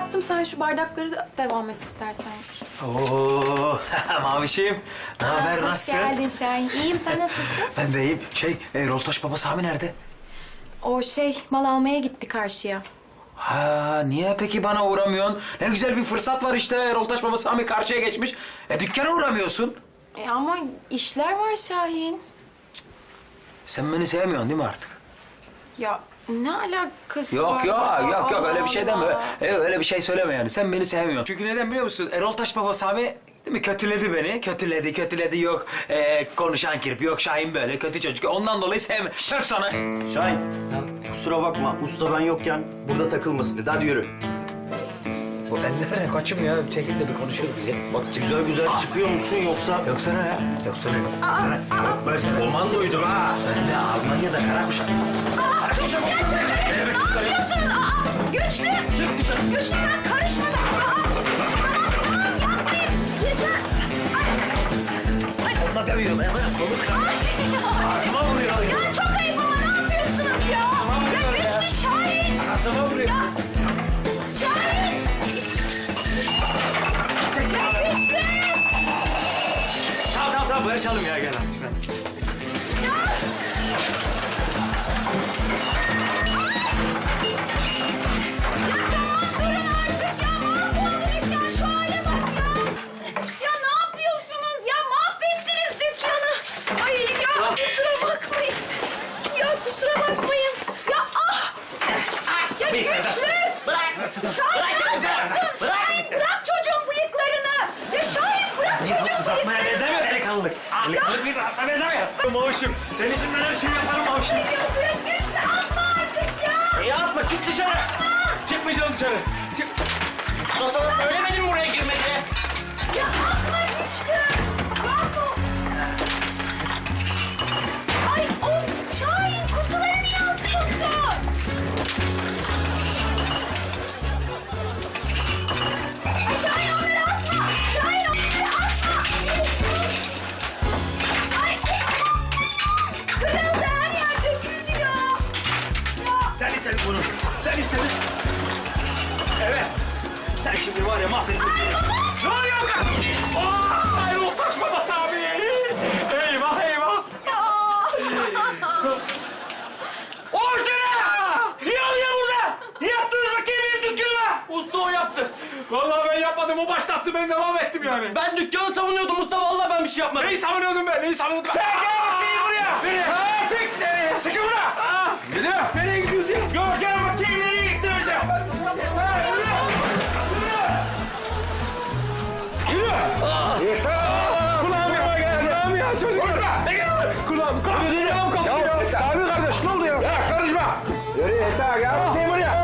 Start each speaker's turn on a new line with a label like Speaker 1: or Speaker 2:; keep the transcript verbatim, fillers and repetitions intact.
Speaker 1: yaptım. Sen şu bardakları da devam et istersen.
Speaker 2: Oo, Mavişim. Ne haber,
Speaker 1: Hoş
Speaker 2: nasılsın?
Speaker 1: geldin Şahin. İyiyim, sen nasılsın?
Speaker 2: Ben de iyiyim. Şey, e, Roltaş Baba Sami nerede?
Speaker 1: O şey, mal almaya gitti karşıya.
Speaker 2: Ha, niye peki bana uğramıyorsun? Ne güzel bir fırsat var işte. Roltaş Baba Sami karşıya geçmiş. E dükkana uğramıyorsun.
Speaker 1: E ama işler var Şahin.
Speaker 2: Sen beni sevmiyorsun değil mi artık?
Speaker 1: Ya ne alakası
Speaker 2: Yok
Speaker 1: var?
Speaker 2: yok
Speaker 1: ya?
Speaker 2: yok yok
Speaker 1: Allah
Speaker 2: öyle bir şey deme.
Speaker 1: Allah.
Speaker 2: E, öyle bir şey söyleme yani. Sen beni sevmiyorsun. Çünkü neden biliyor musun? Erol Taş Baba Sami değil mi? Kötüledi beni. Kötüledi, kötüledi. Yok e, konuşan kirpi, yok Şahin böyle kötü çocuk. Ondan dolayı sevme. Söv sana.
Speaker 3: Şahin, kusura bakma. Usta ben yokken burada takılmasın dedi. Hadi yürü.
Speaker 2: Bu ellere kaçım ya. Bir şekilde bir konuşuyoruz biz ya.
Speaker 3: Bak güzel güzel çıkıyor musun yoksa...
Speaker 2: Yoksa ne ya? Yoksa ne? Yoksa ne?
Speaker 3: Ben komandoydum ha.
Speaker 2: Ben de Almanya'da kara kuşak. Kara kuşak.
Speaker 4: Ne yapıyorsunuz? Aa, güçlü! Güçlü sen karışma da! Aa, şuna bak! Aa, yapmayın! Yeter! Ay, ay,
Speaker 2: Onunla dövüyorum hemen. Kolu kırar. Ağzıma vuruyor.
Speaker 4: ya çok ayıp ama ne yapıyorsunuz ya? Ya güçlü Şahin!
Speaker 2: Ağzıma vuruyor.
Speaker 4: Ya! Şahin! Ya güçlü!
Speaker 2: Tamam tamam tamam barışalım ya gel artık.
Speaker 4: Durun artık ya! Mahvoldu dükkan! Şu hale bak ya! Ya ne yapıyorsunuz ya? Mahvettiniz dükkanı! Ay ya kusura bakmayın! Ya kusura bakmayın! Ya ah! Ya güçlü! Bırak! Şahin ne yapıyorsun? Şahin bırak çocuğun bıyıklarını! Ya Şahin bırak çocuğun
Speaker 2: Uzatmaya
Speaker 4: bıyıklarını!
Speaker 2: benzemiyor delikanlılık. Delikanlılık bir rahatla benzemiyor. Mavuşum, senin için ben her şeyi yaparım Mavuşum.
Speaker 4: Ne diyorsun güçlü? Atma artık ya!
Speaker 3: E yapma, çık dışarı.
Speaker 2: Çıkmayacağım dışarı. Çık.
Speaker 3: Sana söylemedim buraya girme diye.
Speaker 4: Ya atma güçlü! Bravo! Ay of! Şahin kutuları niye atıyorsun? Ay Şahin onları atma! Şahin onları atma! Ay kırıldı her yer döküldü ya! Ya
Speaker 2: Sen istedin bunu. Sen istedin. Evet. Sen şimdi var ya mahvettin. Ne oluyor kız? Oh, ay Roltaş Baba Sami. Eyvah eyvah. Oğuz dene! Niye oluyor burada? Ne yaptınız bakayım benim dükkanıma?
Speaker 3: Usta o yaptı.
Speaker 2: Vallahi ben yapmadım. O başlattı. Ben devam ettim yani.
Speaker 3: Ben dükkanı savunuyordum usta. Vallahi ben bir şey yapmadım.
Speaker 2: Neyi savunuyordum ben? Neyi savunuyordum? Sen gel bakayım buraya. Nereye? Ha, tek nereye? Çekil buraya. Aa, yürü. Nereye gidiyorsun ya? Göreceğim bakayım nereye gittiniz ya. Ha, yürü. Yürü. Yürü. Yeter. Kulağım ya. Kulağım ya çocuklar. Ne gel? Kulağım. Kulağım. Kulağım koptu ya.
Speaker 3: Sami kardeş ne oldu ya?
Speaker 2: Ya karışma.
Speaker 3: Yürü yeter ya. Bakayım buraya.